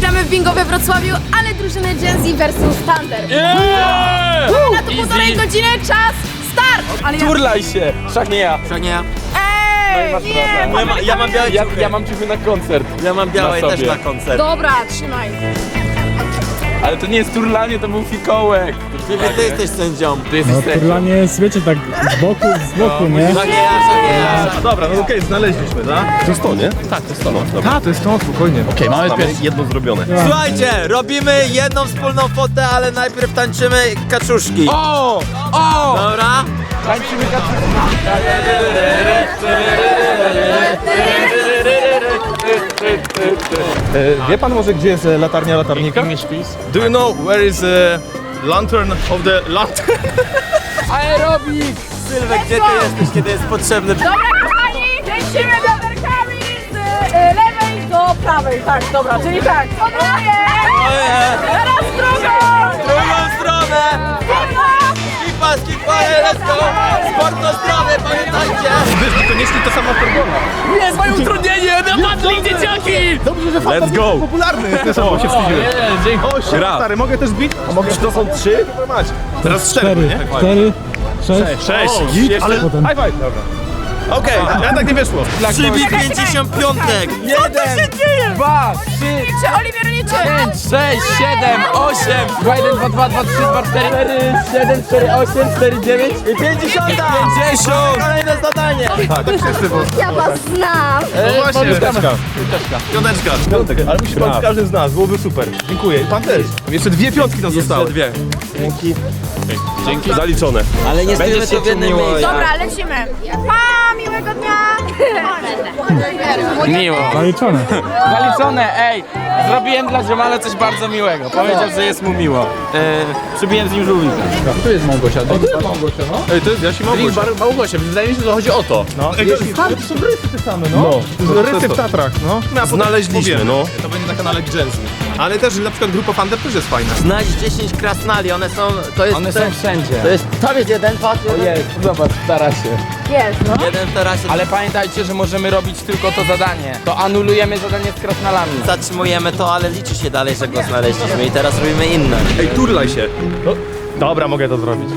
gramy w bingo we Wrocławiu, ale drużyny Gen Z versus Thunder. Na to półtorej godziny, czas, start! Ale Turlaj się! Wszak nie ja. To nie ja. Ej, nie! Ja mam białe ciuchy. Ja mam ciuchy na koncert. Ja mam białe na też sobie. na koncert. Dobra, trzymaj. Ale to nie jest turlanie, to był fikołek. Ty jesteś sędzią. Ty jesteś sędzią. Turlanie jest, wiecie, tak z boku, nie? To nie ja. Dobra, no okej, znaleźliśmy, tak? To jest to, nie? Tak, to jest to. Tak, to jest to, spokojnie. Okej, mamy jedno zrobione. Słuchajcie, robimy jedną wspólną fotę, ale najpierw tańczymy kaczuszki. O! O! Dobra? Tańczymy kaczuszki. Wie pan może, gdzie jest latarnia latarnika? Do you know where is the lantern of the lantern? Aerobik! Sylwek, gdzie ty jesteś, kiedy jest potrzebny? Dobra, kochani, lecimy wiaderkami z lewej do prawej. Tak, dobra, czyli tak. Odroję! Teraz drugą! Drugą stronę! Skipa, let's go! Sport do strony, pamiętajcie! Wiesz, koniecznie to sama formuła. Jest moje utrudnienie! Napadli dzieciaki! Dobrze, że Let's go! popularny jest też, bo się wstydziłem. Dzięki. O, shit, stary, mogę też bić? A mogę, czy to są 3? Teraz 4, nie? 4, 6. 6. Ale... High five. Dobra. Okej, ja tak nie wyszło. Przybij 55! 1, 2, 3, Czy Oliwier liczy? 5, 6, 7, 8, 2, 1, 2, 2, 2, 3, 2, 4, 4, 7, 4, 8, 4, 9 I 50! 50! Kolejne zadanie! Tak wszyscy, bo... Ja was znam. No właśnie, piąteczka. Piątek. Ale musi pan z każdym z nas, byłoby super. Dziękuję. I pan też. Jeszcze 2 piątki nam zostały. dwie. Dzięki. Zaliczone. Ale nie stoimy to w jednym miejscu. Dobra, lecimy. Pa, miłego dnia. Miło. Zaliczone. Zaliczone, ej! Zrobiłem dla ziomala coś bardzo miłego. Powiedział, że jest mu miło. Przybiłem z nim żółwika. Tu jest Małgosia. To jest Małgosia, no. Ej, to jest Jasi Małgosia. Małgosia, wydaje mi się, że chodzi o to. No, ej, to są rysy te same, no. To są rysy w Tatrach, no. Znaleźliśmy, no. To będzie na kanale Genzy. Ale też na przykład grupa Thunder też jest fajna. Znajdź 10 krasnali, one są... To jest... One są wszędzie. To jest... Tam jest jeden, patrz. Ojej, zobacz, stara się. Jest, no. Jeden w tarasie. Ale pamiętajcie, że możemy robić tylko to zadanie. To anulujemy zadanie z krasnalami. Zatrzymujemy to, ale liczy się dalej, że go znaleźliśmy i teraz robimy inne. Ej, turlaj się. No. Dobra, mogę to zrobić.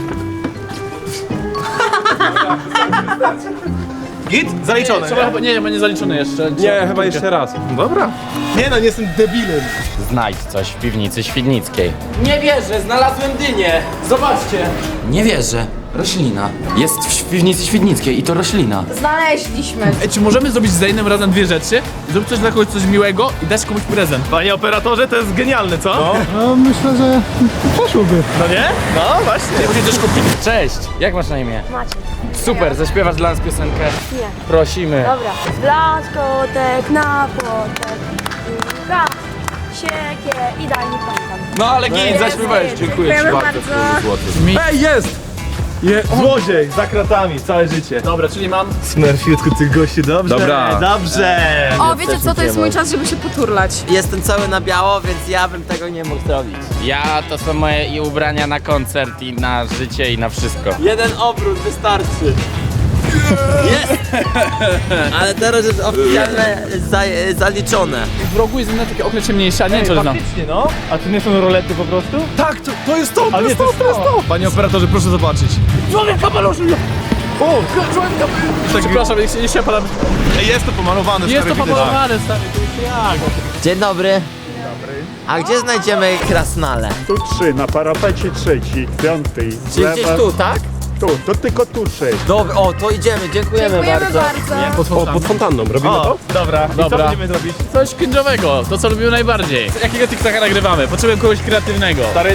Git? Zaliczone. Trzeba chyba, nie, chyba nie zaliczony jeszcze. Nie, chyba jeszcze raz. Dobra. Nie no, nie jestem debilem. Znajdź coś w piwnicy świdnickiej. Nie wierzę, znalazłem dynię. Zobaczcie. Nie wierzę. Roślina. Jest w piwnicy świdnickiej i to roślina. Znaleźliśmy. Ej, czy możemy zrobić za jednym razem dwie rzeczy? Zrób coś dla kogoś coś miłego i dać komuś prezent. Panie operatorze, to jest genialne, co? No myślę, że poszłoby. No nie? No właśnie. Musisz też kupić. Cześć, jak masz na imię? Macie. Super, zaśpiewasz dla nas piosenkę? Nie. Prosimy. Dobra. Blać kotek na płotek. Długa, siekie i daj mi pąkan. No ale git, zaśpiewałeś. Dziękuję ci Dziękujemy bardzo. bardzo. Ej, jest! Złodziej, za kratami, całe życie. Dobra, czyli mam... Smurfiutku tych gości, dobrze? Dobra. Dobrze! O, wiecie co, to jest mój czas, żeby się poturlać. Jestem cały na biało, więc ja bym tego nie mógł zrobić. Ja to są moje i ubrania na koncert i na życie i na wszystko. Jeden obrót wystarczy. Jest! Ale teraz jest oficjalne zaliczone. W rogu jest inne takie okno ciemniejsze, nie wiem, czy znam. Faktycznie, no. A to nie są rolety po prostu? Tak, to jest to, to jest to. Panie operatorze, proszę zobaczyć. Człowiek kapelusz! O, człowiek kapelusz! Przepraszam, nie się palam. Ej, jest to pomalowane, Jest to stary, widać. pomalowane, stary, to jest jak? Dzień dobry. A gdzie znajdziemy krasnale? Tu 3, na parapecie 3, 5. Czyli gdzieś tu, tak? Tu, to tylko tu 6. Dobra, o, to idziemy, dziękujemy bardzo. Pod fontanną, robimy to? Dobra. I co Dobra. będziemy zrobić? Coś cringe'owego, to co lubimy najbardziej. Jakiego TikToka nagrywamy? Potrzebuję kogoś kreatywnego. Stary...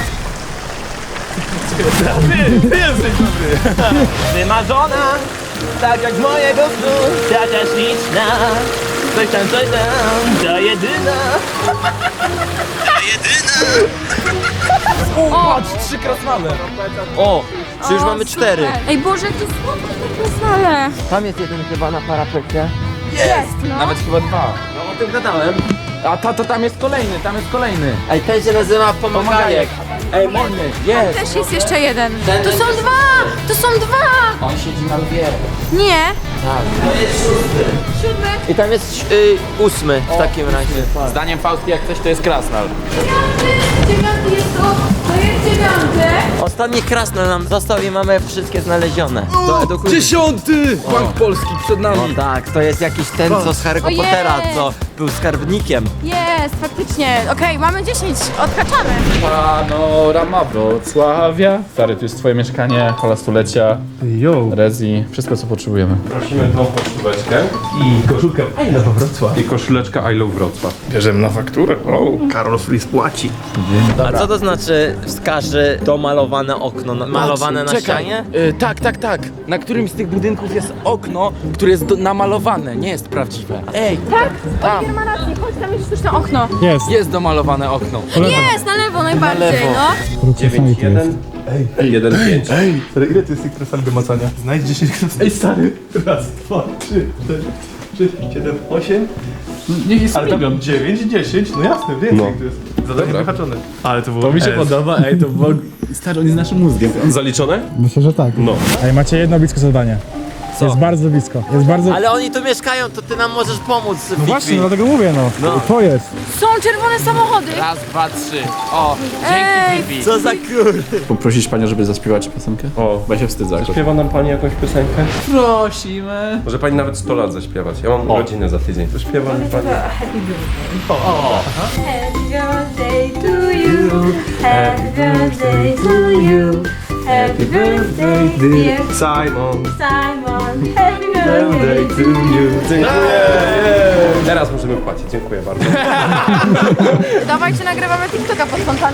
Ty jesteś dobry. Wymarzona, tak jak z mojego snu, taka śliczna. Coś tam, to jedyna. Patrz, 3 krasnale. O, czy już mamy 4? Ej Boże, jakie słodkie te krasnale. Tam jest jeden chyba na parapecie. Jest, no. Nawet chyba 2. No o tym gadałem. A to tam jest kolejny. Ej, ten się nazywa Pomagajek. Ej, molny, jest. Też jest jeszcze jeden. Ten To są dwa! To są dwa! On siedzi na lwie. Nie. To jest 6. 7. I tam jest 8 w takim razie. Zdaniem Faustki jak coś to jest krasnal. 9 jest to jest 9. Ostatni krasnal nam został i mamy wszystkie znalezione. To edukuje. 10! Bank Polski przed No nami. tak, to jest jakiś ten, co z Harry'ego Ojej. Pottera, co był skarbnikiem. Jest, faktycznie. Okej, mamy 10. Odhaczamy. Panorama Wrocławia. Stary, tu jest twoje mieszkanie, hala stulecia, Yo. rezi, wszystko co potrzebujemy. Prosimy tą koszuleczkę i koszulkę I Love Wrocław. I koszuleczkę I Love Wrocław. Bierzemy na fakturę. O, Karol Flis płaci. A co to znaczy wskaże domalowane okno, malowane na ścianie? Tak. Na którymś z tych budynków jest okno, które jest namalowane, nie jest prawdziwe. Ej, Tak? Oliwier ma rację. Chodź, tam jest sztuczne okno. Jest. jest domalowane okno. Jest, na lewo najbardziej, lewo. no. 9-1. Ej, 1-5. Ej, ile to jest tych krasnali do macania? Znajdź 10 krasnali. Ej, stary. Raz, 2, 3, 4, 6, 7, 8. Niech jest Ale tam 9, 10. No jasne, więcej to jest. Zadanie wyhaczone. Ale to było. To mi się podoba, ej, to było... Stary, on jest naszym mózgiem. Zaliczone? Myślę, że tak. No. Ej, macie jedno blisko zadanie. Jest bardzo blisko. Jest bardzo... Ale oni tu mieszkają, to ty nam możesz pomóc, No właśnie, dlatego mówię, no. To jest. Są czerwone samochody. Raz, dwa, trzy. O, Ej. dzięki Bibi. Co za kur... Poprosić panią, żeby zaśpiewała ci piosenkę? O, Bo ja się wstydzę. jakoś. Śpiewa nam pani jakąś piosenkę? Prosimy. Może pani nawet 100 lat zaśpiewać. Ja mam rodzinę za tydzień. To śpiewa mi pani. Happy birthday to you. Happy birthday to you. Happy birthday, dear Simon. Simon. Happy birthday to you. Dziękuję. Teraz możemy płacić. Dziękuję bardzo. Dawajcie, nagrywamy TikToka pod fontaną.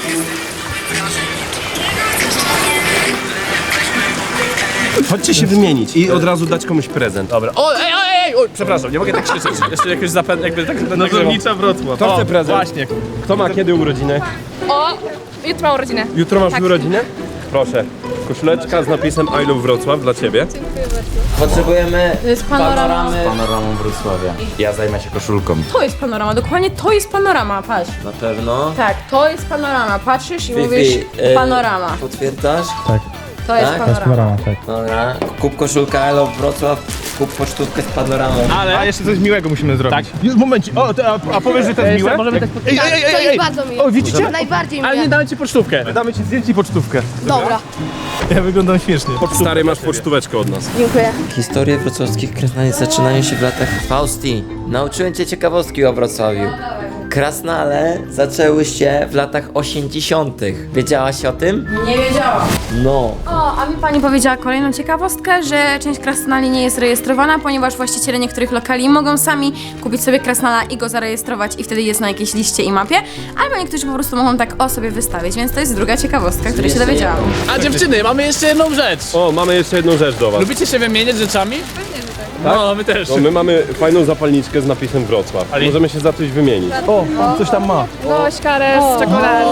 Chodźcie się wymienić i od razu dać komuś prezent. Dobra. O, ej, przepraszam, nie mogę tak krzyczeć. Jeszcze jakoś jakby tak będę Nazownicza Wrocław. Kto O, chce prezent? właśnie. Kto ma kiedy urodziny? O, jutro mam urodzinę. Jutro masz urodzinę? Proszę. Koszuleczka z napisem I Love Wrocław dla ciebie. Potrzebujemy To jest panorama. Panoramą Wrocławia. Ja zajmę się koszulką. To jest panorama, dokładnie to jest panorama, patrz. na pewno. Tak, to jest panorama. Patrzysz i Fifi, mówisz panorama. Potwierdzasz? To jest tak? panorama. Panorama, tak. Dobra. Kup koszulkę I Love Wrocław, kup pocztówkę z panoramą. A jeszcze coś miłego musimy zrobić. Tak. Momencie. O, a powiesz, że to jest miłe? Możemy tak... To jest bardzo miłe. O, widzicie? Najbardziej Ale nie miłe. damy ci pocztówkę. Damy ci zdjęcie i pocztówkę. Dobra, Ja wyglądam śmiesznie. Stary, masz pocztóweczkę od nas. dziękuję. Historie wrocławskich krasnali zaczynają się w latach... Fausti, nauczyłem cię ciekawostki o Wrocławiu. Krasnale zaczęły się w latach 80. Wiedziałaś o tym? Nie wiedziałam. No. O, a mi pani powiedziała kolejną ciekawostkę, że część krasnali nie jest rejestrowana, ponieważ właściciele niektórych lokali mogą sami kupić sobie krasnala i go zarejestrować i wtedy jest na jakiejś liście i mapie, albo niektórzy po prostu mogą tak o sobie wystawić, więc to jest druga ciekawostka, której się dowiedziałam. A dziewczyny, mamy jeszcze jedną rzecz. O, mamy jeszcze jedną rzecz do was. Lubicie się wymieniać rzeczami? Pewnie, że tak. No, my też. No, my mamy fajną zapalniczkę z napisem Wrocław. Możemy się za coś wymienić. O, coś tam ma. Gośkarę z czekoladą.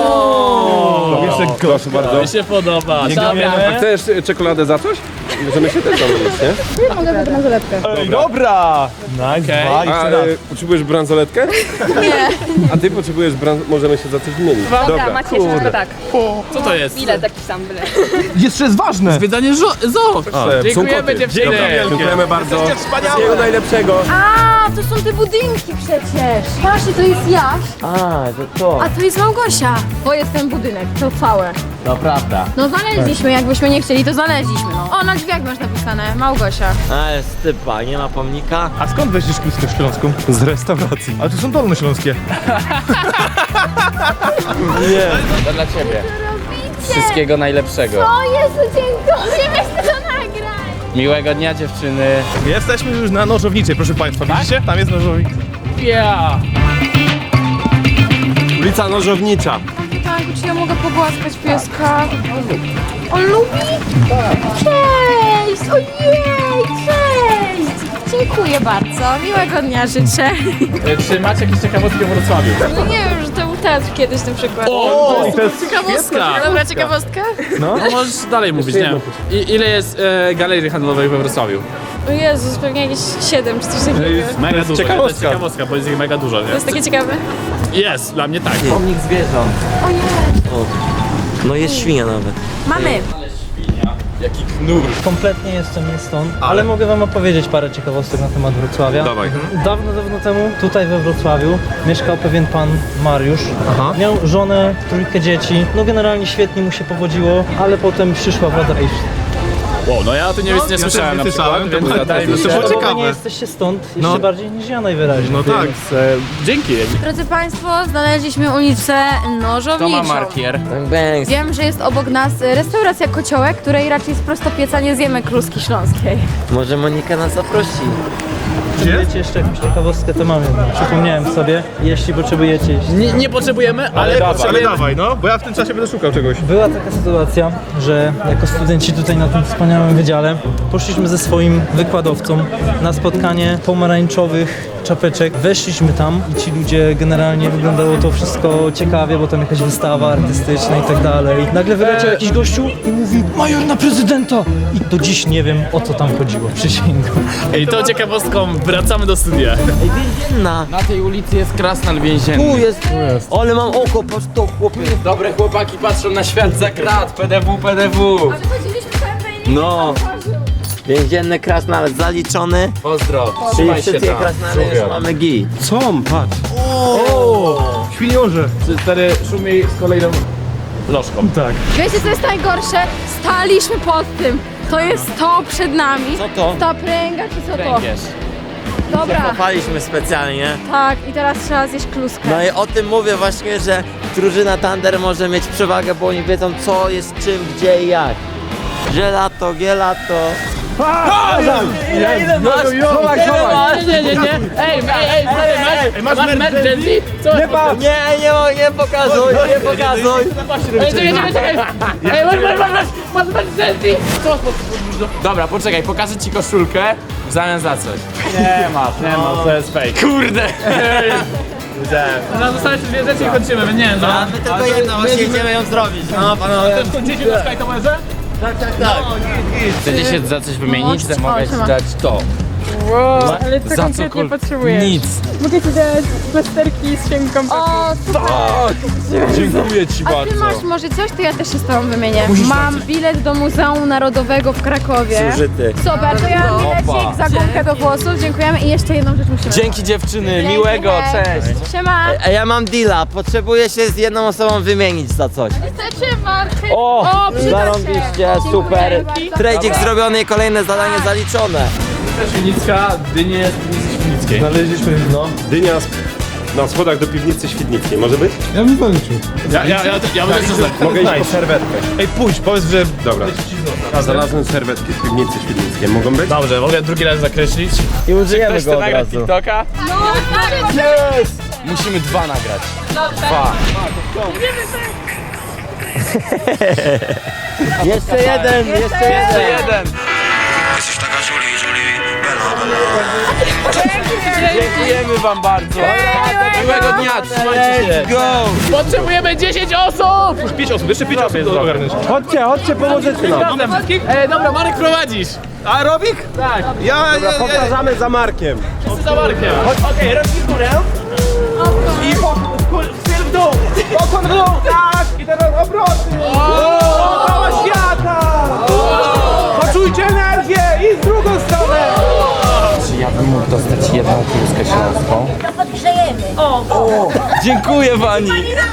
Proszę bardzo. Mi się podoba. A Dobra. chcesz czekoladę za coś? Możemy się też zamówić, nie? Mogę wybrać bransoletkę. Dobra! Okej. A potrzebujesz bransoletkę? Nie. A ty potrzebujesz możemy się za coś wymienić. Dobra. Macie jeszcze tak. Co to jest? Ile taki sam byle. Jeszcze jest ważne! Zwiedzanie zoo. Dziękujemy dziewczyny. Dziękujemy bardzo. Wszystkiego najlepszego. A, to są te budynki przecież. Patrzcie, to jest Jaś, A, to. a to jest Małgosia. To jest ten budynek, to całe. To prawda. No znaleźliśmy, jakbyśmy nie chcieli, to znaleźliśmy. No. O, na drzwiach masz napisane, Małgosia. Ale stypa, nie ma pomnika? A skąd weźmiesz Kluskę Śląską? Z restauracji. Ale to są dolnośląskie. To dla ciebie. Wszystkiego najlepszego. O Jezu, dziękuję, weź to nagrać. Miłego dnia dziewczyny. Jesteśmy już na Nożowniczej, proszę państwa. Widzicie? Tam jest Nożownica. Yeah. Ulica Nożownicza. Tak, czy ja mogę pogłaskać pieska? On lubi? Cześć! Ojej, cześć! Dziękuję bardzo, miłego dnia życzę. Czy macie jakieś ciekawostki o Wrocławiu? No nie wiem, że to był teatr kiedyś na przykład. O, I to jest ciekawostka. Dobra ciekawostka? No możesz dalej mówić, nie? Ile jest galerii handlowych we Wrocławiu? O Jezus, pewnie jakieś 7 czy coś takiego. Mega dużo. ciekawostka. To jest ciekawostka, bo jest ich mega dużo, To nie? jest takie ciekawe. Jest, dla mnie tak. Pomnik zwierząt. O nie. No jest świnia nawet. Mamy. Jaki knur. Kompletnie jestem nie stąd, ale mogę wam opowiedzieć parę ciekawostek na temat Wrocławia. Dawaj. Dawno temu tutaj we Wrocławiu mieszkał pewien pan Mariusz. Aha. Miał żonę, trójkę dzieci. No generalnie świetnie mu się powodziło, ale potem przyszła władza i Wow, no ja o tym nie słyszałem na słyszałem, przykład, to więc wydaje mi się, było że... ciekawe. Wy nie jesteście stąd jeszcze No. bardziej niż ja najwyraźniej. No tak. Dzięki. Drodzy Państwo, znaleźliśmy ulicę Nożowniczą. Bang bang. Wiem, że jest obok nas restauracja Kociołek, której raczej z prostopieca nie zjemy kluski śląskiej. Może Monika nas zaprosi. Potrzebujecie jeszcze jakąś ciekawostkę, to mam jedną. Przypomniałem sobie, jeśli potrzebujecie. Nie potrzebujemy, ale Ale potrzebujemy... dawaj, no, bo ja w tym czasie będę szukał czegoś. Była taka sytuacja, że jako studenci tutaj na tym wspaniałym wydziale poszliśmy ze swoim wykładowcą na spotkanie pomarańczowych czapeczek. Weszliśmy tam i ci ludzie, generalnie wyglądało to wszystko ciekawie, bo tam jakaś wystawa artystyczna i tak dalej. Nagle wyleciał jakiś gościu i mówi: major na prezydenta! I do dziś nie wiem, o co tam chodziło, przysięgam. I to ciekawostką wracamy do studia. Ej, więzienna. Na tej ulicy jest krasnal więzienny. Tu jest. Ale mam oko, patrz to chłopie. Dobre chłopaki patrzą na świat za krat. PDW, PDW. No, Więzienny krasnal zaliczony. pozdro. Czyli Trzymaj się wszystkie tam. krasnale już mamy gi. Co? Patrz. O! Świniorze. Stary szumi z kolejną lożką. Tak. Wiecie, co jest najgorsze? Staliśmy pod tym. To jest to przed nami. Co to? Ta pręga, czy co to? Pręgierz. Dobra, Kopaliśmy specjalnie. tak. I teraz trzeba zjeść kluskę. No i o tym mówię właśnie, że drużyna Thunder może mieć przewagę, bo oni wiedzą co jest czym, gdzie i jak. Gelato, gelato. Ile masz? Nie. Ej, stary, masz emergency? Co? Nie pokazuj, nie pokazuj. Ej, czekaj. Ej, masz emergency? Co? Dobra, poczekaj, pokażę ci koszulkę w zamian za coś. Nie ma, to jest fake. Kurde! No zostawić dwie rzeczy i kończymy, więc nie wiem, no. My tylko jedno, właśnie idziemy ją zrobić. No panowie. Kończycie na Skytomerze? Chcecie się za coś wymienić? O, Mogę ci trzyma. dać to. Ale co Za konkretnie cokolwiek. potrzebujesz? Nic. Mogę ci dać plasterki z sięgą O, super. Dziękuję ci A ty masz może coś, to ja też się z tobą wymienię. Mam bilet do Muzeum Narodowego w Krakowie. Zużyty. Super, to ja bilecik za gumkę do włosów, dziękujemy i jeszcze jedną rzecz musimy. Dzięki dziewczyny, miłego, cześć. Siema. A ja mam deala, potrzebuję się z jedną osobą wymienić za coś. Chcecie markę? O, przyda się. zarąbiście, super. Dziękuję bardzo. Trade'ik zrobiony i kolejne zadanie zaliczone. Świdnicka, dynie jest Świdnickiej. Znaleźliśmy, no. Dynia na schodach do piwnicy świdnickiej, może być? Ja bym zaliczył. Ja będę coś Mogę iść po serwetkę. Ej, pójdź, powiedz, że... Dobra. Znalazłem serwetki w piwnicy świdnickiej, mogą być? Dobrze, mogę drugi raz zakreślić. I użyjemy Ktoś go chce od nagrać razu. TikToka? No tak, Musimy 2 nagrać. Jeszcze jeden. Jeden. Dziękujemy wam bardzo. Miłego dnia, trzymajcie się. Let's go. Potrzebujemy 10 osób! 5 osób, jeszcze 5 osób do ogarnięcia. Chodźcie, pomożecie nam. Razem. Dobra, Marek prowadzisz. A Robik? Tak, Ja powtarzamy za Markiem. wszyscy za Markiem. Okej, robi w górę. I styl w dół. Pokłon w dół, tak. I teraz obroty. Cała świata. Poczujcie energię i w drugą stronę. Czy ja bym mógł dostać jedną kluskę śląską? Dziękuję pani!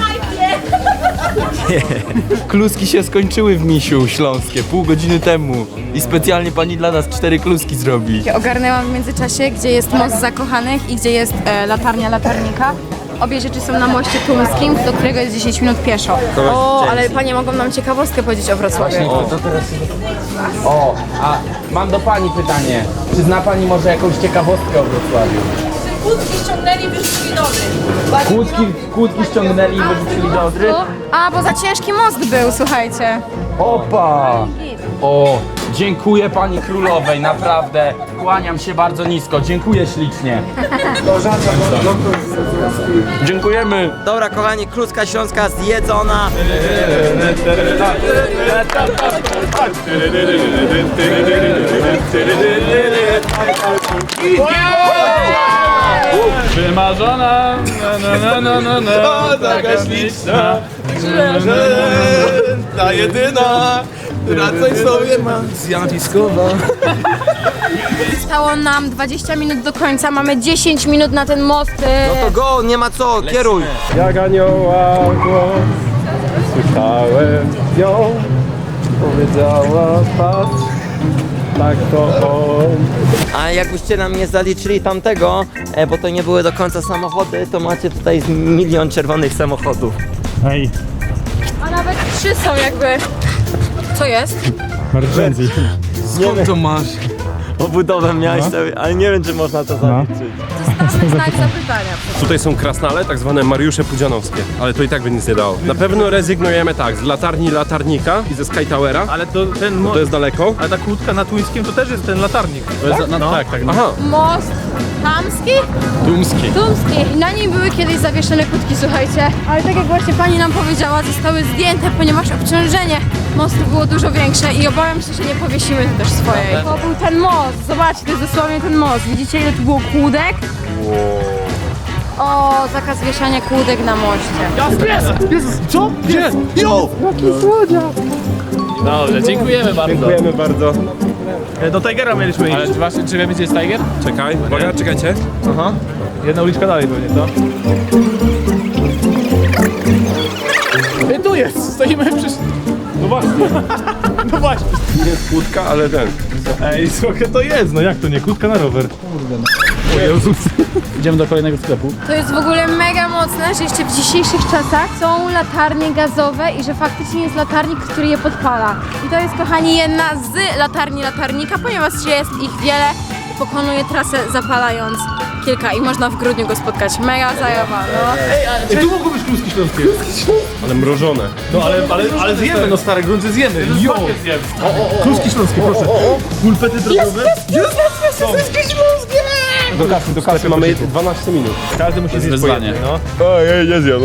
Kluski się skończyły w Misiu śląskie pół godziny temu i specjalnie pani dla nas 4 kluski zrobi. Ogarnęłam w międzyczasie, gdzie jest most zakochanych i gdzie jest latarnia latarnika. Obie rzeczy są na moście tumskim, do którego jest 10 minut pieszo. O, ale panie mogą nam ciekawostkę powiedzieć o Wrocławiu. O, a mam do pani pytanie. Czy zna pani może jakąś ciekawostkę o Wrocławiu? Kłódki ściągnęli, wyrzucili do Odry. Kłódki ściągnęli i wyrzucili do Odry? A, bo za ciężki most był, słuchajcie. Opa! O, dziękuję pani królowej, naprawdę. Kłaniam się bardzo nisko, dziękuję ślicznie. Dziękujemy. Dobra, kochani, kluska śląska zjedzona. Wymarzona, O, taka śliczna, ta jedyna, która coś sobie ma zjawiskowa. Zostało nam 20 minut do końca, mamy 10 minut na ten most. No to go, nie ma co, kieruj. Jak anioła głos, słyszałem ją, powiedziała patrz, tak to on. A jakbyście nam nie zaliczyli tamtego, bo to nie były do końca samochody, to macie tutaj milion czerwonych samochodów. Ej, A nawet 3 są jakby. Co jest? Margenzi. Skąd to masz? Obudowę miałeś sobie, ale nie wiem, czy można to zaliczyć. Zostawmy znak zapytania. Tutaj są krasnale, tak zwane Mariusze Pudzianowskie, ale to i tak by nic nie dało. Na pewno rezygnujemy tak, z latarni latarnika i ze Sky Towera, ale to ten to jest daleko. ale ta kłódka na Tuńskim to też jest ten latarnik. To jest, tak. Aha, Most Tamski? Dumski. Tumski. Na niej były kiedyś zawieszone kłódki, słuchajcie. Ale tak jak właśnie pani nam powiedziała, zostały zdjęte, ponieważ obciążenie mostu było dużo większe i obawiam się, że nie powiesimy tu też swojej. To był ten most, zobaczcie, to jest dosłownie ten most. Widzicie, ile tu było kłódek? O, zakaz wieszania kłódek na moście. Co? Gdzie? Jo! Dobrze, dziękujemy bardzo. Dziękujemy bardzo. Do Tigera mieliśmy iść. Ale właśnie, czy wiemy, gdzie jest Tiger? Czekaj, uwaga, czekajcie. Aha. Jedna uliczka dalej pewnie, co? Tu jest, stoimy przy... No właśnie. No właśnie. Nie jest kłódka, ale ten. Ej, słuchaj, to jest, no jak to nie? Kłódka na rower. O Jezus. Idziemy do kolejnego sklepu. To jest w ogóle mega mocne, że jeszcze w dzisiejszych czasach są latarnie gazowe i że faktycznie jest latarnik, który je podpala. I to jest, kochani, jedna z latarni latarnika, ponieważ jest ich wiele i pokonuje trasę zapalając kilka i można w grudniu go spotkać. Mega zajawa, no. Ej, tu mogą być kluski śląskie. Ale mrożone. No ale zjemy, no stare grunty zjemy. Jo! Kluski śląskie, proszę. Pulpety drogowe. Jest! Kluski śląskie! Do kasy mamy 12 minut. Każdy musi zjeść wyzwanie. po jednej, no. Ej, nie zjem.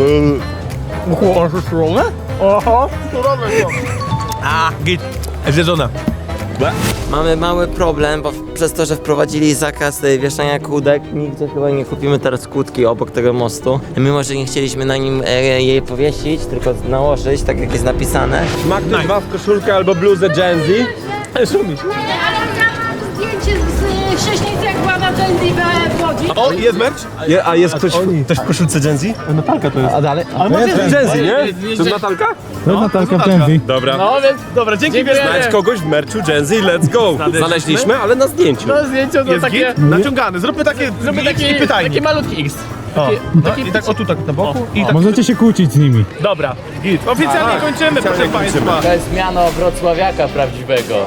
Oho! A, git. Zjedzona. Mamy mały problem, bo przez to, że wprowadzili zakaz wieszania kłódek, nigdzie chyba nie kupimy teraz kłódki obok tego mostu. Mimo, że nie chcieliśmy na nim jej powiesić, tylko nałożyć, tak jak jest napisane. Ma ktoś was koszulkę albo bluzę Gen Z? Szumisz. Zdjęcie z Krześnicy, jak była na Gen Z w Łodzi. O, jest merch? A jest ktoś w koszulce Gen Z? Natalka to jest. A dalej? Ale może jest Gen Z, nie? To jest Natalka? To jest Natalka w Genzi. Dobra. No więc, dobra, dzięki Znajdź kogoś w merchu Gen Z, let's go! Znaleźliśmy, ale na zdjęciu. No zdjęcie to Jest takie... git? Naciągany. Zróbmy takie i pytajnik. Taki malutki X. O, no, i tak o tu tak na boku i tak. Możecie się kłócić z nimi. Dobra, git. Oficjalnie kończymy, proszę państwa. To jest miano wrocławiaka prawdziwego.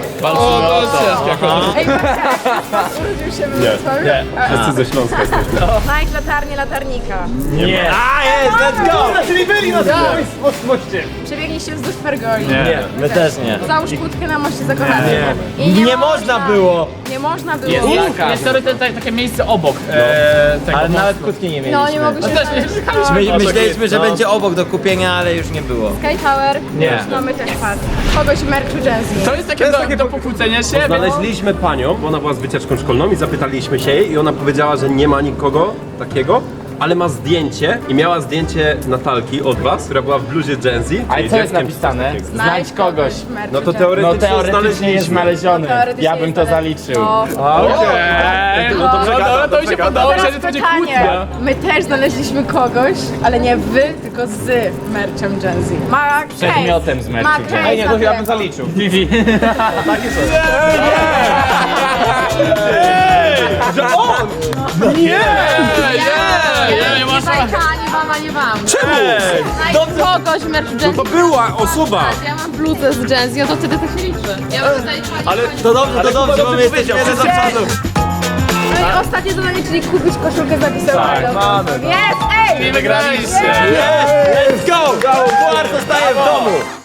Wszyscy ze Śląska jesteśmy. Znajdź latarnię latarnika. Nie. A, jest, let's go! Czyli byli na moście. Przebiegnij się wzdłuż pergoli. Nie, my też nie. Załóż kłódkę na moście zakochanym. I Nie można było! Nie można było. Jest takie miejsce obok tego Ale mostu. nawet kłódki nie mieliśmy. No, nie mogły się Myśleliśmy, że będzie obok do kupienia, ale już nie było. Sky Tower. Nie. Mamy też pas. Kogoś w merchu Jazzy. To jest takie do pokłócenia się, Znaleźliśmy panią, bo ona była z wycieczką szkolną i zapytaliśmy się jej i ona powiedziała, że nie ma nikogo takiego, ale ma zdjęcie i miała zdjęcie Natalki od was, która była w bluzie Gen Z. Ale czyli co jest dzieckiem napisane? czy coś takiego. Znajdź kogoś. w merchu No to Jazzy. teoretycznie, Teoretycznie jest znaleziony. Teoretycznie Ja bym jest to znaleziony. zaliczył. Okej. No to dobra, to mi się podoba, Teraz że to będzie pytanie. kłótnia. My też znaleźliśmy kogoś, ale nie wy, tylko z merchem Gen Z. Ma case. Przedmiotem z merchu Ma Gen Z. case. Ej, nie, to ja bym telefon. zaliczył. Nie wam, nie wam. Czemu? Znajdź kogoś w merchu Gen Z. To była osoba! Ja mam bluzę z Gen Z, no to wtedy to się liczy. Ja bym zaliczyła. Ale To dobrze, bo my jesteśmy za przodu. No i ostatnie zadanie, czyli kupić koszulkę zapisaną. mamy. Jest! Ej! Nie wygraliście. Let's go! Puchar zostaje w domu!